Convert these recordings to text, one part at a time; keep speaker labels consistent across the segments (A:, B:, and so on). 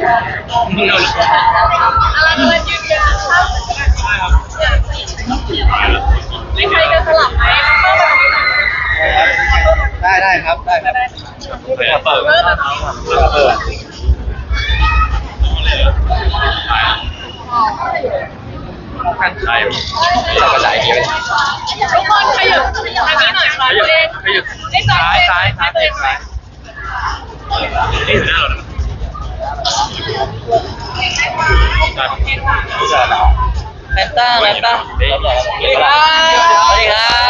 A: อะไรยืนยันมีใครจะสลับไหม
B: ได้ครับได้ครับ
A: เปิด
C: กันใช่
B: เราก็จ่ายนี้ไป
A: ทุกคนขยับทางนี้หน่อยค่ะตัวเอง
C: ซ้ายนี่อยู่หน้าเรา
B: แฟนต้าสวัสดีครับสวัสดีครับ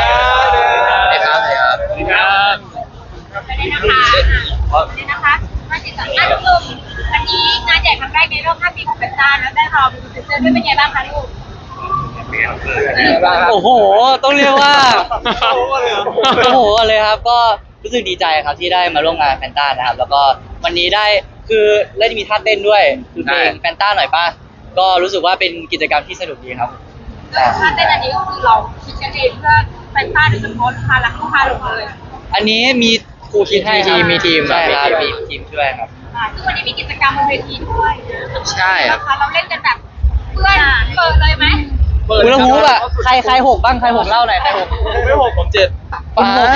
A: นี่นะคะมาติดต่อท่านผู้ชมวันนี้งานใหญ่ครั้งแรกในรอบ5 ปีของเฟนต้าแล้วได้รอเป็นพรีเซนเตอร์ด้วยเป็นไงบ้างคะลูก
D: โอ้โหต้องเรียกว่าโอ้โหเลยครับก็รู้สึกดีใจครับที่ได้มาร่วมงานแฟนต้านะครับแล้วก็วันนี้ได้คือได้มีท่าเต้นด้วยคือเพลงแฟนต้าหน่อยป่ะก็รู้สึกว่าเป็นกิจกรรมที่สนุกดีครับ
A: ท่าเต้นอันนี้ก็คือเราคิดกันเองเพื่อแฟนต้าโดยเฉพาะลูกค้ารักลูกค้าลงเลย
D: อันนี้มีครูคิดให้
B: มีทีม
D: ใช่ครับมีทีมช่วยครับ
A: ซึ่งวันนี้มีกิจกรรมบนเวทีด้วย
B: ใช่
A: นะคะเราเล่นกันแบบเพื่อนเปิดเลยไหม
D: ฮูลาฮูปอ่ะใครหกบ้างใครหกเล่าหน่อยใครหก
C: ไม่6ผม7
D: ผม6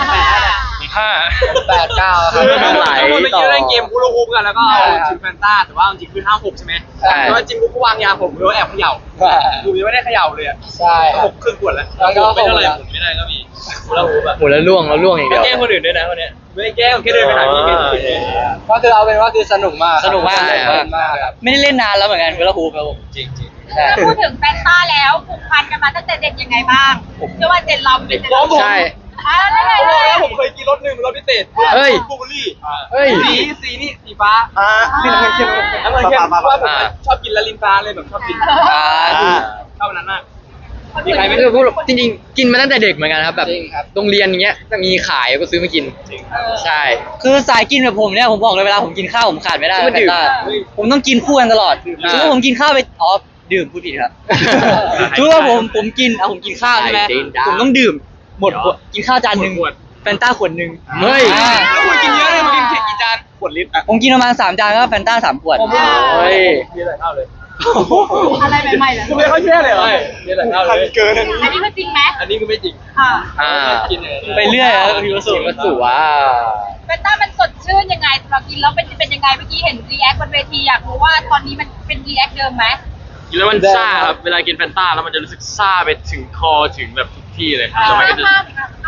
C: 5
B: 8 9ครับ
C: หลายต่อเมื่อกี้เล่นเกมฮูลาฮูปกันแล้วก็เอาทีมแฟนต้าแต่ว่าจริงคือ5-6ใช่ไหมเพราะว่าจริงก็วางยาผมก็แอบเขย่าดูยังไม่ได้เขย่าเลย
B: ใช่
C: 6 ครึ่งขวดแล้วไม่เท่าไหร่หมุนไม่ได้ก็มีฮูลาฮูป
B: หมุนแล้วล่วงอย่างเดียว
C: แกล้งคนอื่นด้วยนะวันนี้ไม่แกล้งแค่เดินไปหาพี่
B: ก็คือเอาเป็นว่าคือสนุกมาก
D: ครับไม่ได้เล่นนานแล้วเหมือนกันฮูลาฮูปครับผม
C: จริง
A: แล้วพูดถึงแฟนต้าแล้วผูกพันกันมาตั้งแต่เด็กยังไงบ้างเชื่อว่าเจนเราเป็นเจนเรา
B: ใช่
C: ผมเคยกินรถ1รถพิเศษบูเบอรี่สีนี่สีฟ้านี่น้ำเงินเข้มว่าผมชอบกินละลินฟ้าเลยแบบชอบกินชอบนั้นมาก
B: คือพูดจริงๆกินมาตั้งแต่เด็กเหมือนกันครับแบบโรงเรียนอย่างเงี้ยจะมีขายก็ซื้อมากินใช่
D: คือสายกินแบบผมเนี่ยผมบอกเลยเวลาผมกินข้าวผมขาดไม่ได้แฟนต้าผมต้องกินคู่กันตลอดคือว่าผมกินข้าวไปดื่มพูดผิดครับคือว่าผมกินผมกินข้าวใช่ไหมผมต้องดื่มหมดกินข้าวจานนึงแฟนต้าขวดนึง
B: เฮ้ย
C: แล้วคุณกินเยอะเลยคุณกินกี่จานขวดลิตร
D: ผมกินประมาณ3 จานก็แฟนต้า3 ขวด
B: เฮ้ย
C: มีอะไรเท่าเลย
A: อะไรใหม่ๆเลย
C: ไม่ค่อยเชื่อเลยมีอะไรเท่าเลย
A: เกินอันนี้คือจริงไหม
C: อันนี้คือไม่จริง
D: กินไปเรื่อยครับพี่วสุ
B: ว่า
A: แฟนต้ามันสดชื่นยังไงเรากินแล้วเป็นยังไงเมื่อกี้เห็นรีแอคบนเวทีอยากรู้ว่าตอนนี้มันเป็นรีแอคเดิมไหม
C: กินแล้วมันซ่าครับเวลากินแฟนต้าแล้วมันจะรู้สึกซ่าไปถึงคอถึงแบบทุกที่เลย
A: ทำไมก็จะ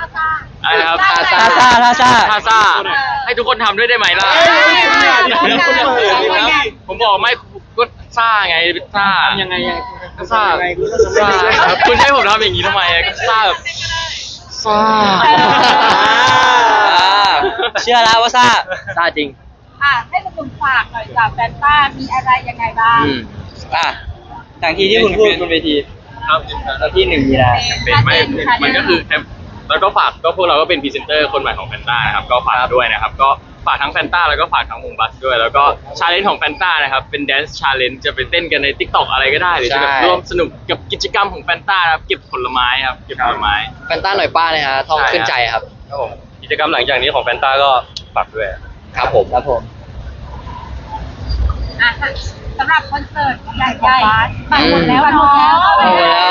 C: ท่าซ่าให้ทุกคนทำด้วยได้ไหมล่ะผมบอกไม่ก็ซ่าไงซ่า
B: ยังไง
C: ซ่าคุณให้ผมทำอย่างนี้ทำไมก็ซ่าแบบซ่า
D: เชื่อแล้วว่าซ่าจริง
A: ให้คุณฝากหน่อยจากแฟนต้ามีอะไรยังไงบ้าง
D: อย่างที่คุณพูดบนเวที
C: ครับที่1 มีนาเป็นไม่มันก็คือแล้วก็ฝากก็พวกเราก็เป็นพรีเซนเตอร์คนใหม่ของแฟนต้านะครับก็ฝากด้วยนะครับก็ฝากทั้งแฟนต้าแล้วก็ฝากทั้งวงบัสด้วยแล้วก็ชาเลนจ์ของแฟนต้านะครับเป็นแดนซ์ชาเลนจ์จะไปเต้นกันใน TikTok อะไรก็ได้หรือจะแบบร่วมสนุกกับกิจกรรมของแฟนต้าครับเก็บผลไม้ครับเก็บผลไม้
B: แฟนต้าหน่อยป้าเลยฮะท่องขึ้นใจครับ
C: กิจกรรมหลังจากนี้ของแฟนต้าก็ฝากด้วย
B: ครับผม
A: สำหรับคอนเสิร์ตใหญ่ๆบัตรหมดแล้วเป็น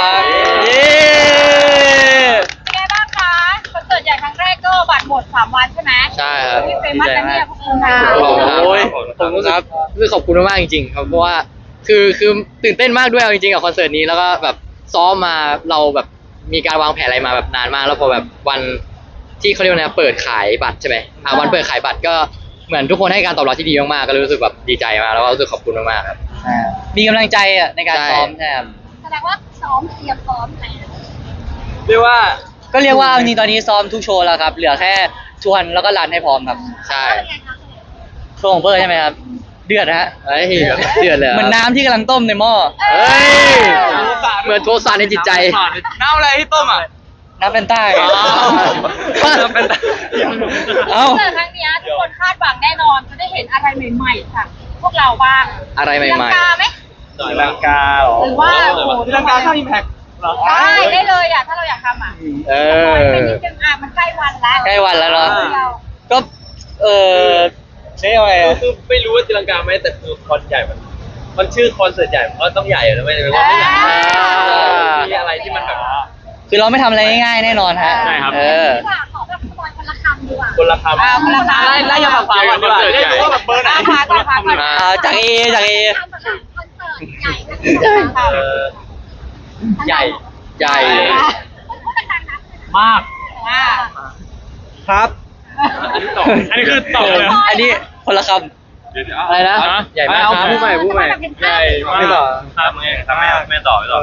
A: ไงบ้างคะคอนเสิร์ตใหญ่ครั้งแรกก็บัตรหมด3 วันใช่ไหม
B: ใช่ครับ
A: พี่เฟมัสเนี่ยพวกคุณนะ
B: ผมรู้สึกขอบคุณมากจริงๆครับเพราะว่าคือตื่นเต้นมากด้วยจริงๆกับคอนเสิร์ตนี้แล้วก็แบบซ้อมมาเราแบบมีการวางแผนอะไรมาแบบนานมากแล้วพอแบบวันที่เขาเรียกว่าเปิดขายบัตรใช่ไหมวันเปิดขายบัตรก็เหมือนทุกคนให้การตอบรับที่ดีมากๆก็รู้สึกแบบดีใจมากแล้วก็รู้สึกขอบคุณมากๆครับ
D: มีกำลังใจในการซ้อมใช่ครับ
A: แสดงว่าซ้อมเตรียมซ้อมไหม
C: เรียกว่า
D: จริงตอนนี้ซ้อมทุกโชว์แล้วครับเหลือแค่ชวนแล้วก็รันให้พร้อมครับ
B: ใช่
D: โชว์ของเพิร์ใช่ไหมครับเดือดฮะ
B: เดือดเลย
D: เหมือนน้ำที่กำลังต้มในหม้อ
B: เหมือนโทสะในจิตใจ
C: น้ำอะไรที่ต้ม
D: น้ำเป็นใต้
C: น้ำเป็นใต้
A: ครั้งนี้ทุกคนคาดหวังแน่นอนจะได้เห็นอะไรใหม่ๆค่ะพวกเราบ้าง
B: อะไรใหม่ๆ
A: ลังกาไหม
C: ลังกาหรอ
A: หรือว่า
C: ลังกาถ้าอิมแพค
A: ได้เลยถ้าเราอยากทำเป็นนิดนึงมันใกล้วันแล้ว
D: เนาะก็ใช่ไหม
E: คือไม่รู้ว่าตีลังกาไหมแต่คือคอนใหญ่มันชื่อคอนเสิร์ตใหญ่มันก็ต้องใหญ่แล้วไม่ได้ว่าไม่ใหญ่มีอะไรที่มันแบบ
D: คือเราไม่ทำอะไรง่ายๆแน่นอนฮะ
C: ใช่ครับ
D: เออ
A: ดีกว่าขอแบบสปอยคนละคำดีกว่า
E: คนละคำ
A: คนละคำ
E: ไล่อย่าฝั่งก่อนดีกว่าได้รู้ว่าแบบเบอร์ไหน
A: พาก่อนพาก่อน
D: จากเอ
A: คอนเสิร์ตใหญ่นะ
E: เออใหญ่
B: ใหญ่
A: พูดดังๆนะ
E: มาก
A: ว่า
D: ครับ
C: อันนี้คือตอบเลย
D: อันนี้คนละค
B: อะไรนะ ใหญ่มากครับ
A: พูดใหม่พูดใหม่
E: ใหญ่มากทำไงทำไม่ต่อไม่ต่อ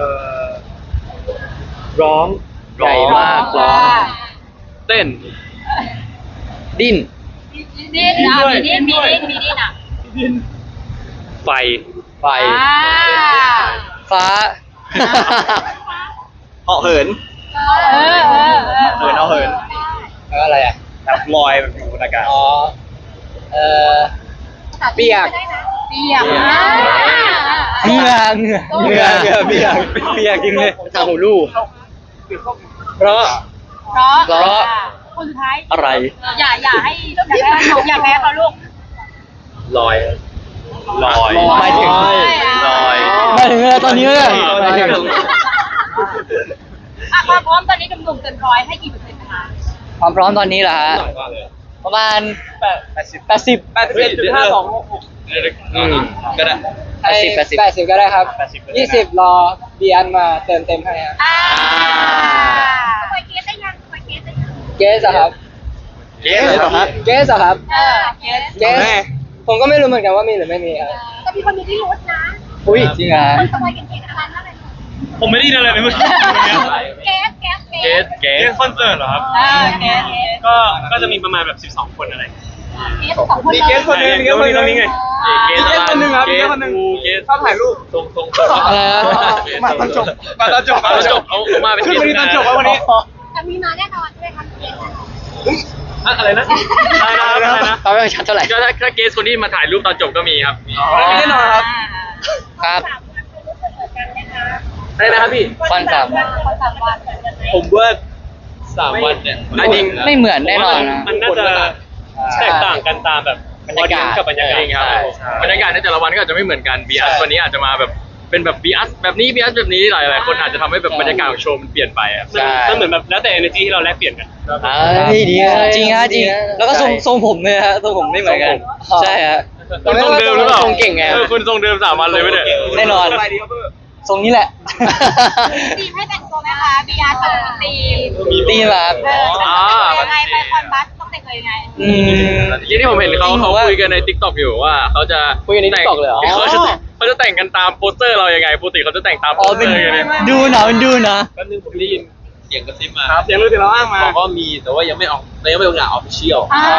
B: ร้องใหญ่มากร้อง
C: เต้น
B: ดิ้น
A: ดิ้นอ่ะมีดิ้นมีดิ้นอ่ะ
C: ไฟ
B: ไฟ
D: ำฟ้า
E: เหาะเหิน เหินเอาเหิน
B: แล้วอะไรอ่ะ
E: แบบลอยแบบอยู่บนอากาศ
B: อ๋อ เปียก
A: เปียก
D: เหงื่อเปียกจริงเลย
B: ทางหูลู่
E: เพราะ
A: เพราะคนสุดท้าย
D: อะไร
A: อย่าแพ้เขาลูก
E: ลอย
B: หมายถึง
E: ลอย
D: มาถึงอะไรตอนนี้เลย
B: หมายถึง
A: ความพร้อมตอนนี้หนุ่มๆเกินร้อยให้กี่เปอร์เซ็นต์นะคะ
D: ความพร้อมตอนนี้เหรอฮะ ประมาณ80
E: ก็ได้
B: 80ก็ได้ครับ 20 รอเบียนมาเติมเต็มให้ครับ
A: สปอยเกสได้ยังสปอยเกสได้ยัง
B: เกสอะครับ
E: เกสเหรอครับ
B: เกสอะครับ
A: เกส
B: เกสผมก็ไม่รู้เหมือนกันว่ามีหรือไม่มีครับ
A: แต่มีคนมีที่รู้นะ
B: อุ้ย
D: จริงเหรอ
A: สปอยเก่งๆอะไรนั่นเลย
C: ผมไม่ได้ยินอะไรเลยเมื่อกี้
A: เกส
C: เกสคอนเสิร์ตเหรอครับ
A: เกส
C: ก็จะมีประมาณแบบ 12 คนอะไร
A: เกสสองคน
E: มีเกสคนหนึงมีเกสคนหนึง
C: นี่ไงเกสคนนึงครับเกสคนนึงเกส
E: ชอบถ่ายรูปตรง
B: อะไรนะ
E: มาตอนจบ
C: เอามาเป็น
E: ขึ้นมาดีตอนจบวันนี้
A: แต่มีมาแน่นอนใช่ไหมคะเกส
E: อะไรนะ
C: อะไรนะ
B: ตอนไม่ชัดเท่าไหร่
C: ก็ถ้าเกสคนที่มาถ่ายรูปตอนจบก็มีครับ
E: แน่นอนครับ
B: ครับ
A: 3 วันคือรู้สึกเหมือนกันนะคะ
E: อะไรนะครับพี่
D: ฟันสาม
A: คน3 วันเหมือนกันไหม
E: ผมว่า3 วันเนี่ย
D: ไม่เหมือนแน่นอนนะ
C: มันน่าจะแตกต่างกันตามแบบกับบรรยากาศครับบรรยากาศในแต่ละวันก็อาจจะไม่เหมือนกันบีอัสวันนี้อาจจะมาแบบเป็นแบบบีอัสแบบนี้บีอัสแบบนี้หลายๆคนอาจจะทำให้แบบบรรยากาศของโชว์มันเปลี่ยนไปอ่ะ
B: ใช่
C: มันเหมือนแบบแล้วแต่ energy ที่เราแลกเปลี่ยนกัน
B: ดีนะ
D: จริงฮะจริง แล้วก็ทรงผมเลยฮะทรงผมไม่เหมือนกัน ใช่ฮะ
C: คุณทรงเดิมหรือเปล่า
B: ทรงเก่งไง
C: คุณทรงเดิม3 วันเลยไม่ได้
D: แน่นอน
E: ไปดีครับเพื่อ
D: ทรงนี้แหละ
A: ทีมให้แต่งตัวไหมคะบีอาร์ตกับทีม
D: ตีแบบ
A: ยังไงไปคอนบัสต้องแต่งตัวยังไง
C: ที่ที่ผมเห็นเขาคุยกันใน TikTok อยู่ว่าเขาจะ
B: คุยกันใน TikTok เลยเหรอ
C: เขาจะแต่งกันตามโปสเตอร์เรายังไงปกติเขาจะแต่งตามโป
D: อ๋อ
C: สเต
D: เป็
C: อน ร์ยังไง
D: ดูนะเป็นดูนะ
E: แป๊บนึงผมได้ยินเสียงกระซิบมา
C: เสียงรู้ที่เราอ้างมา
E: บอกว่ามีแต่ว่ายังไม่ออกประกาศออฟฟิเชียล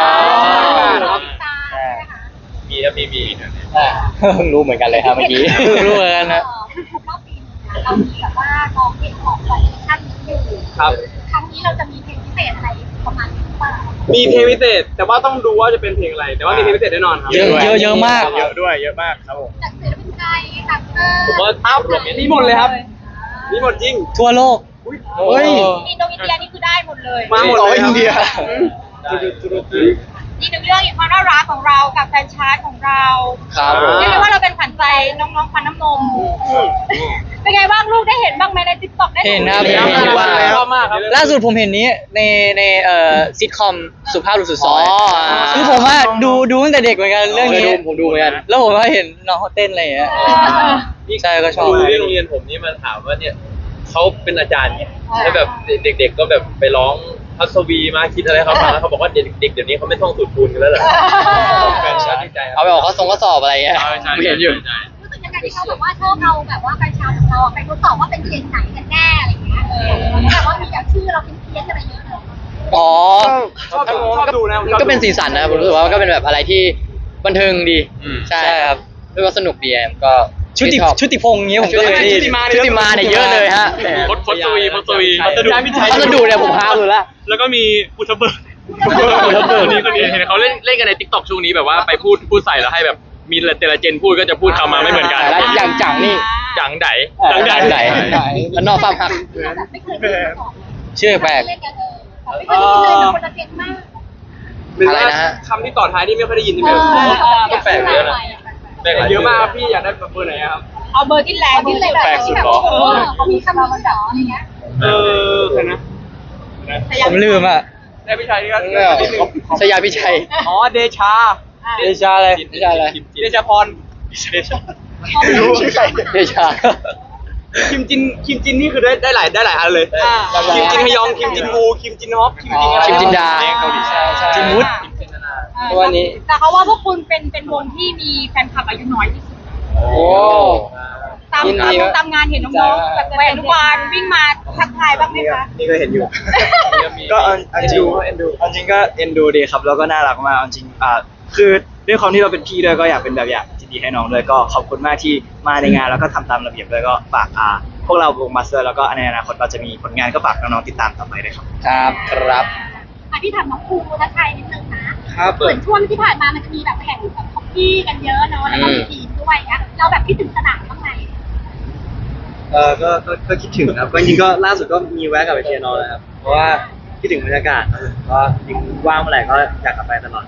E: มีครับมี
B: เพิ่งรู้เหมือนกันเลยครับเมื่อกี้
D: เพิ่งรู้เหมือนกันนะ
A: รอบปีนึงเรามีแบบว่าน้องเพลงของคอลเลคชั่นนี้อยู่
E: ครับ
A: ครั้งนี้เราจะมีเพลงพิเศษอะไรประมาณนี้หรือเปล่า
C: มีเพลงพิเศษแต่ว่าต้องดูว่าจะเป็นเพลงอะไร แต่ว่ามีเพลงพิเศษแน่นอนครับ
D: เยอะมาก
C: เยอะด้วยเยอะมากครับผม
A: จากศิลปินไทยจากเ
E: ผมว่า
C: มีหมดเลยครับมีหมดจริง
D: ทั่วโลก
B: เฮ้ย
A: อินโดนีเซียนี่คือได้หมดเลย
C: มาหมดเลยอินเดีย
A: อีกหนึ่งเรื่องอีกความน่ารักของเรากับแฟนชาร์ตของเรา
B: ครับผม
A: เรียกได้ว่าเราเป็นขวัญใจน้องๆฟันน้ำนมเป็นไงบ้างลูกได้เห็นบ้างไหมในติ๊กต็อกได้
D: เห็นครับ
C: ชอบมากครับ
D: ล่าสุดผมเห็นนี้ในซิทคอมสุภาพบุรุษสุดซ
B: อ๋
D: อ
B: อย
D: คือผมว่าดูตั้งแต่เด็กเหมือนกันเรื่องนี้
B: ผมดูเหมือนกัน
D: แล้วผมก็เห็นน้องเขาเต้นอะไรอย่างเงี้ยใช่ก็ชอบ
E: ครูที่โรงเรียนผมนี่มาถามว่าเนี่ยเขาเป็นอาจารย์เนี่ยแล้วแบบเด็กๆก็แบบไปร้องพัศวีมาคิดอะไรเขาฟังแล้วเขาบอกว่าเด็กๆเดี๋ยวนี้เขาไม่ท่องสูตรคูณกันแล้วเหรอแฟนชาติดีใจครับ
B: เอาไปออกข้อสอบอะไรเงี้ยเห็นอยู่
A: รู้สึกยังไงที่เขาแบบว่าชอบเราแบบว่าแฟนชาร์ตของเราไปทดสอบว่าเป็นเจนไหนกันแน่อะไรอย่างเงี้ยแบบว่ามีแบบชื่อเราเป็นเพี้ยนอะไรเยอะเลย
B: อ๋อ
C: ชอบดูนะ
B: ก็เป็นสีสันนะผมรู้สึกว่าก็เป็นแบบอะไรที่บันเทิงดี ใช่
D: ใช่ครับ
B: เรียกว่าสนุกดีอะก็
D: ชุติพงษ์อย่างเงี้ยผมก็เคยได้ยิน
B: ชุติมาเนี่ยเยอะเลยฮะ
C: พศวีพัสดุ
B: เนี่ยผมพาดูแล้ว
C: แล้วก็มีอุทเบิร์
B: อุทเบิร์ก
C: นี่คนนี้เห็นเขาเล่นกันใน TikTok ช่วงนี้แบบว่าไปพูดใส่แล้วให้แบบมีแต่ละเจนพูดก็จะพูดคำมาไม่เหมือนกัน
B: แล้วอย่างจังนี่
C: จังได
B: จังไหนแล้วนอกฟาร์มหัก
A: แบบไม่เคยเล่นมาก่อน
D: ชื่อแปลก
A: เล่นกันไม่เคยเล่นเลยคนละเจนมาก
E: หรือ
B: อะไร
E: ว่า
B: นะฮะ
E: คำที่ต่อท้ายนี่ไม่ค่อยได้ยินใช่ไหมก็แปลกเยอะนะแปลกเยอะมากครับพี่อยากได้แบบเบอร์ไหนอะครับ
A: เอาเบอร์ที่แรงที่เลยแบบ
E: แปลกสุด
A: ที่แบบ
E: เหรอ
A: เขามีคำนี้เหรออะไรเงี้ย
E: ใครนะ
D: ผมลืมอ่ะ
E: ได้พี่ชายนี่ก็นิดนึง
B: ชยาพิชัย
E: อ๋อเดชา
D: เดชาอะไร
B: เดชาอะไร
E: เดชาพรเดชา
B: ไม่รู้ชื่อใครเดชา
E: คิมจินนี่คือได้หลายอันเลยคิมจินฮยองคิมจินวูคิมจินฮอปคิมจินอะไร
B: คิมจินดา
E: เกาหลีใช่
D: จินวุฒิ
B: ตัวนี้
A: แต่เขาว่าพวกคุณเป็นวงที่มีแฟนคลับอายุน้อยที่สุด
B: โอ้
A: ตาม
B: ยินดีครับ
A: ตามงานเห็นน้องๆแบบวัยอนุบาลวิ่งมาทักทายบ้างไหมคะ
F: นี่ก็เห็นอยู่ ก็เอาจริงเอาจริงก็เอ็นดูดีครับแล้วก็น่ารักมากเอาจริงคือด้วยความที่เราเป็นพี่ด้วยก็อยากเป็นแบบอย่างที่ดีให้น้องด้วยก็ขอบคุณมากที่มาในงานแล้วก็ทำตามระเบียบด้วยก็ฝากพวกเราวงมาสเตอร์แล้วก็ในอนาคตเราจะมีผลงานก็ฝากน้องๆติดตามต่อไปด้วยครับ
B: ครับ
A: ที่ถามน้องครูทักทายนิดนึงนะครับ เหมือนช่วงที่ผ่านมามันจะมีแบบแข่งแบบฮอกกี้กันเยอะเนาะแล้วก็มีทีมด้วยนะเราแบบคิดถึงสนามบ้างไหม
F: ก็คิดถึงครับก็จริงก็ล่าสุดก็มีแวะกลับไปเชียร์น้องนะครับเพราะว่าคิดถึงบรรยากาศครับก็จริงว่างเมื่อไหร่ก็อยากกลับไปตลอด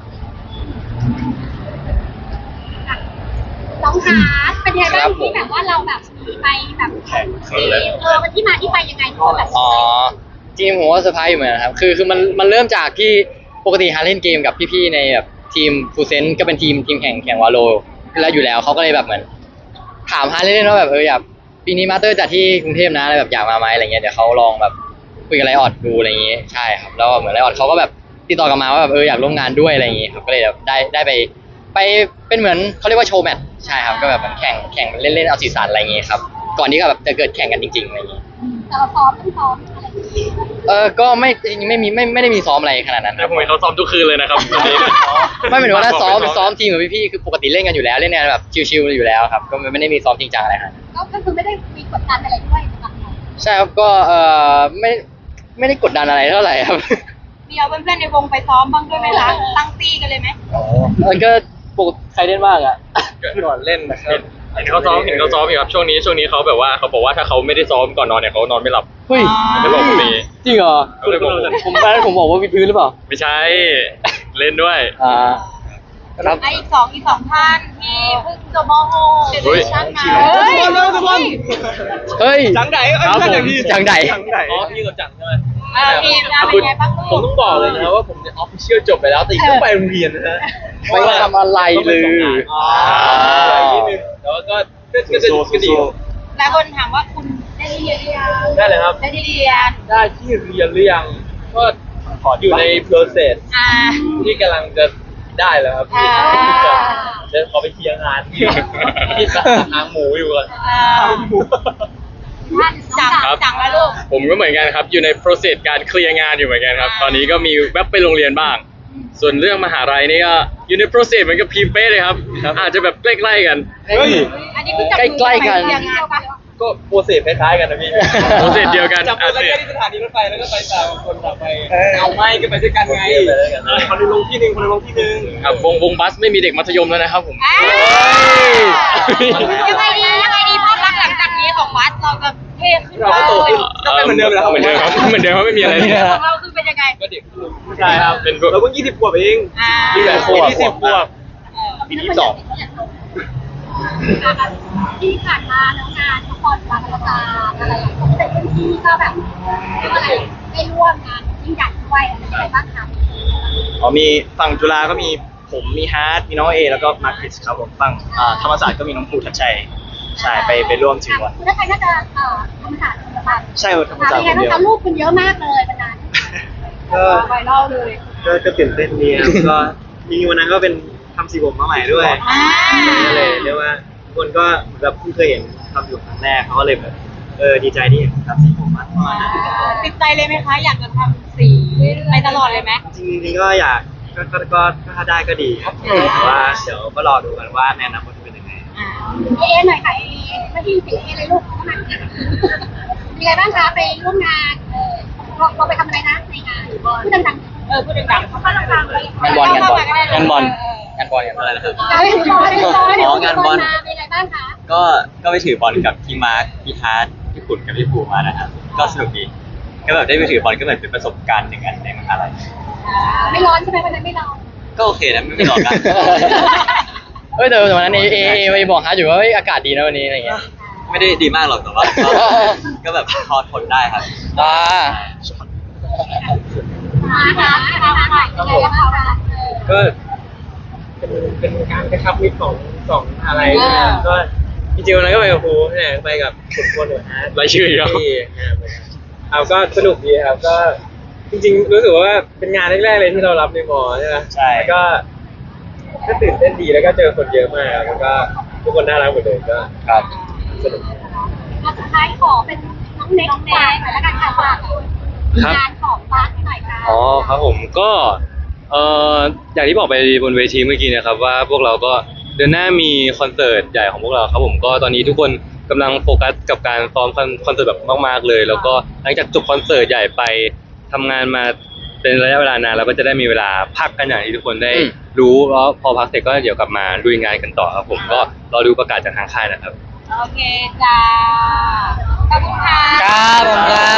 A: น้องฮาร์ดเป็นยังไงบ้างที่แบบว่าเราแบบมีไปแบบมันที่มาที่ไปยังไงที่แบบ
B: อ๋อจริงผมว่าเซอร์ไพรส์อยู่เหมือนกันครับคือมันเริ่มจากที่ปกติฮาเล่นเกมกับพี่ๆในแบบทีมฟูเซนก็เป็นทีมแข่งวาโลแล้วอยู่แล้วเขาก็เลยแบบเหมือนถามฮาเล่นๆว่าแบบอยากปีนี้มาสเตอร์จัดที่กรุงเทพนะอะไรแบบอยากมาไหมอะไรเงี้ยเดี๋ยวเขาลองแบบคุยกับไลออดดูอะไรอย่างงี้ใช่ครับแล้วเหมือนไลออดเขาก็แบบติดต่อกลับมาว่าแบบอยากร่วมงานด้วยอะไรอย่างงี้ครับก็เลยแบบได้ไปเป็นเหมือนเขาเรียกว่าโชว์แมตช์ใช่ครับก็แบบเหมือนแข่งเล่นๆเอาสีสันอะไรอย่างงี้ครับก่อนที่ก็แบบจะเกิดแข่งกันจริงๆอะไรอย่างงี้
A: แต่เราซ้อมต้องซ้อมอะไรอย่างเงี้ย
B: ก็ไม่จริงๆไม่ได้มีซ้อมอะไรขนาดนั้นค
C: แล้
B: รั
C: ว
B: บ
C: ผมเห็นเขาซ้อมทุกคืนเลยนะครับตอนนี้
B: ไม่หมายถึงว่าถ้าซ้อมทีมกับพี่ๆคือปกติเล่นกันอยู่แล้วเล่นกันแบบชิวๆอยู่แล้วครับก็ไม่ได้มีซ้อมจริงจังอะไรครับ
A: ก็คือไม่ได้มีกดดันอะไรด้วยสำหรับเรา
B: ใช่ครับก็ไม่ได้กดดันอะไรเท่าไหร่ครับ
A: มีเอาเพื่อนๆในวงไปซ้อมบ้างด้วยไหมคะตั้งตีกันเลยไหม
B: มันก็ปกติใครเล่นบ้างอ่ะ
F: ก่อนเล่นนะครับ
C: เห็นเขาซ้อมอยู่ครับช่วงนี้เขาแบบว่าเขาบอกว่าถ้าเขาไม่ได้ซ้อมก่อนนอนเนี่ยเขานอนไม่หลับ
B: เฮ้ย
C: ไม่บอกผมนี่
B: จริงเหรอ
C: เขาเลยบอกผม
B: ผมบอกว่าวิดพื้นหรือเปล่า
C: ไม่ใช่เล่นด้วย
B: ครับ
A: ไอ้อีกสองท่านที่เพิ่งจบม .6
C: เฮ้ย
A: ชั้นมา
B: เฮ้ย
E: จังไหน
C: ครับผม
B: จังไหน
E: อ๋อพี่กับจังใช่ไหม
A: ทีมงานเป็นไงบ้าง
E: ผมต้องบอกเลยนะว่าผมเนี่ยออฟฟิเชียลจบไปแล้วแต่ยังต้องไปโรงเรียนนะฮะ
B: ไม่ทำอะไรเลย
E: อ๋อนิดนึงแต่ว่าก็ดี
A: หลายคนถามว่าคุณได้เรียนหรือยัง
E: ได้เลยครับ
A: ได้เรียน
E: ได้ที่เรียนหรือยังก็อยู่ใน process ที่กำลังจะได้แล้วครับพี่เดี๋ยวขอไปเคลียร์งานที่ทางหมูอยู่ก่อน
A: จังแล้วลูก
C: ผมก็เหมือนกันครับอยู่ใน process การเคลียร์งานอยู่เหมือนกันครับ ตอนนี้ก็มีแวบไปโรงเรียนบ้าง ส่วนเรื่องมหาลัยนี่ก็อยู่ใน process เหมือนกับพีมเป้เลยครับ อาจจะแบบใกล้ๆกัน
E: เฮ้ย
A: อันนี้คือจับ
B: ใกล้ๆกัน
A: เรียนงานปะ
E: ก็โปรเซสคล้ายๆกันนะพี่
C: process เดียวกัน
E: จับมือกันแค่ที่สถานีรถไฟแล้วก็ไปต่างคนต่างไปเอาไม่ก็ไปด้วยกันไงคนนึงลงที่หนึ่งคนนึงลงที่หนึ่ง
C: ครับวงบัสไม่มีเด็กมัธยมแล้วนะครับผม
A: ยังไงดีภาพลักษณ์หลังจากนี้ของวัดเราจะเท่ขึ้น
E: เราก็โตขึ้นก็เป็นเหมือนเดิมแล้ว
C: เหมือนเดิมครับเหมือนเดิมครับไม่มีอะไรเลย
A: ของเราคือเป็นยังไง
E: ก็เด็กใช่ครับ
C: เป็น
E: เราเพิ่ง20 ขวบเอง
C: นี่แหละขวบ
E: 20 ขวบ ปีที่สอง
A: ที่ผ่านมาแล้วงานละครบางระจานอะไรผมเป็นพื้นที่ก็แบบเรียกว่าอะไรได้ร่วมงานยิ่งใหญ่ด้วยอะไรบ้างคะ
F: มีฝั่งจุฬาก็มีผมมีฮาร์ดมีน้องเอแล้วก็มาร์คคริสครับผมฝั่งธรรมศาสตร์ก็มีน้องภูทัชชัยใช่ไปร่วมถึงวัน
A: คุณถ้าใครน่าจะธรรมศาสตร์ธรรมศาสตร์
F: ใช่ครับธรรมศาสตร์
A: เป็น
F: ค
A: ไง
F: น
A: บ้าง
F: เดียว
A: คะลูกคุณเยอะมากเลยวันนั้น
F: ก็
A: ไวรัลเลย
F: ก็ตื่นเต้นดีครับก็จริงๆวันนั้นก็เป็นทำสีผมมาใหม่ด้วยก็เลยเรียกว่าทุกคนก็แบบเพิ่งเคยเห็นทำอยู่ครั้งแรกเขาก็เลยแบบดีใจที่เห็นทำสีผมมาประมาณนั้น
A: ติดใจเลยไหมคะอยากจะทำสีไปตลอดเลยไหม
F: จริงๆก็อยากก็ถ้าได้ก็ดีครับแต่ว่าเดี๋ยวก็รอดูกันว่าในอนาคตจะเป็นยังไง
A: เอหน่อยค่ะเอไม่ที่สีเอเลยลูกเข้ามาเป็นไงบ้างคะไปร่วมงานเราไปทำอะไรนะในงานพูดดังๆพูดดังๆเขาพูดดังๆเลย
B: งานบอล
D: งานบอล
F: อะไรนะครับ
A: งานบอลเป็นไงบ้างคะ
G: ก็ไปถือบอลกับพี่มาร์คพี่ฮาร์ดพี่ขุนกับพี่ภูมานะครับก็สนุกดีก็แบบได้ไปถือบอลก็เหมือนเป็นประสบการณ์หนึ่งอันในมหาลัย
A: ไม่ร้อนใช่ไหมวันนั้นไม่ร้อน
G: ก็โอเคนะไม่หลอกกัน
B: เฮ้ยแต่วันนั้นเอไปบอกฮาร์ดอยู่ว่าเฮ้ยอากาศดีนะวันนี้อะไรเงี้ย
G: ไม่ได้ดีมากหรอกแต่ว่าก็แบบพอทนได้ครับ
B: อ่า
A: นะคะยังไงบ้างคะ
E: ก็เป็นการกระชับมิตรของสองอะไรก็จริงๆวันนั้นก็ไปกับครูเนี่ยไปกับคุณควรหนูฮะ
C: รายชื่ออีกแล้ว
E: ที่เอาก็สนุกดีครับก็จริงๆรู้สึกว่าเป็นงานแรกๆเลยที่เรารับในมอใช่ไหม
F: ใช่
E: แล้วก็ตื่นเต้นดีแล้วก็เจอคนเยอะมากแล้วก็ทุกคนน่ารักหมดเลยก็
B: ครับ
E: สนุก
A: สุดท้ายขอเป็นน้องเน็กฝากแล้วกันค่ะฝากงานของบ้านหน่อยค่ะ
C: อ๋อครับผมก็อย่างที่บอกไปบนเวทีเมื่อกี้นะครับว่าพวกเราก็เดือนหน้ามีคอนเสิร์ตใหญ่ของพวกเราครับผมก็ตอนนี้ทุกคนกำลังโฟกัสกับการซ้อมคอนเสิร์ตแบบมากๆเลย แล้วก็หลังจากจบคอนเสิร์ตใหญ่ไปทำงานมาเป็นระยะเวลานานเราก็จะได้มีเวลาพักกันอย่างที่ทุกคนได้รู้แล้วพอพักเสร็จก็เดี๋ยวกลับมาลุยงานกันต่อครับผมก็รอดูประกาศจากทางค่ายนะครับ
A: โอเคจ้าขอบคุณค่ะ
B: ครับผมครับ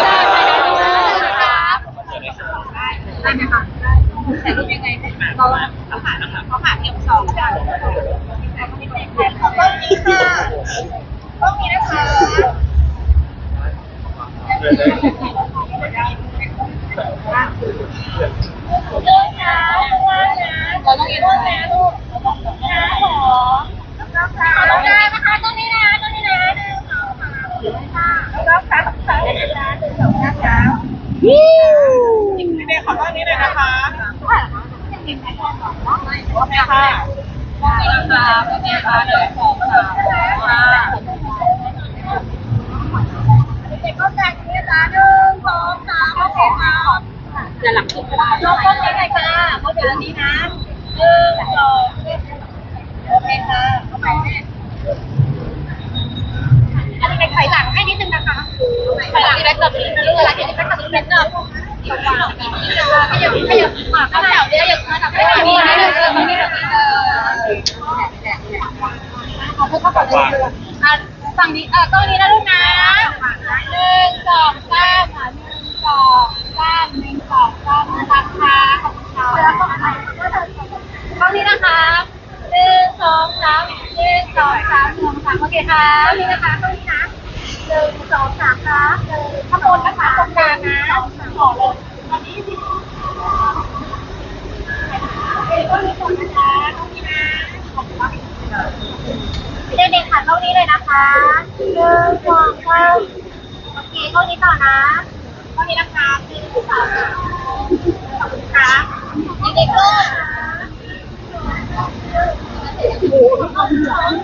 A: ได้ไหมคะแต่รูปยังไงเราผ่านเที่ยวสองกันขอบคุณค่ะต้องมีนะคะเราต้องยืนด้วยนะลูกนะขอต้องได้นะคะต้องนี่นะต้องนี่นะหนึ่งสองสามแล้วครับสามหนึ่งสองสามนี่ขอต้อนนี้เลยนะคะโอเคค่ะโอเคค่ะโอเคค่ะเดี๋ยวขอค่ะเด็กก็แจกนี่นะหนึ่งสองสามโอเคค่ะจะหลังสุดยกต้นนี้เลยค่ะเขาเดี๋ยวนี้นะหนึ่งสองโอเคค่ะเข้าไปแม่อันนี้เป็นไข่หลังให้นิดนึงนะคะไข่หลังที่ได้แบบนี้นะลูกไข่หลังที่ได้แบบนี้เป็นเนื้อขยับขยับขยับข้าวเหนียวเนี่ยขยับขยับไปแบบนี้นะขอเพิ่มเข้าไปเลยฝั่งนี้ต้นนี้นะลูกนะหนึ่งสองสามหนึ่งสองสามหนึ่งสองสามนะคะขอบคุณค่ะแล้วก็ตรงนี้นะคะหนึ่งสองสามหนึ่งสองสามหนึ่งสามโอเคค่ะตรงนี้นะคะตรงนี้นะหนึ่งสองสามค่ะข้างบนนะคะตรงกลางนะขอเลยตอนนี้สิต้องมีคนนะคะต้องมีนะเด็กๆค่ะเท่านี้เลยนะคะหนึ่งสองสามโอเคเท่านี้ต่อนะเท่านี้นะคะหนึ่งสองสามขอบคุณค่ะเด็กๆก็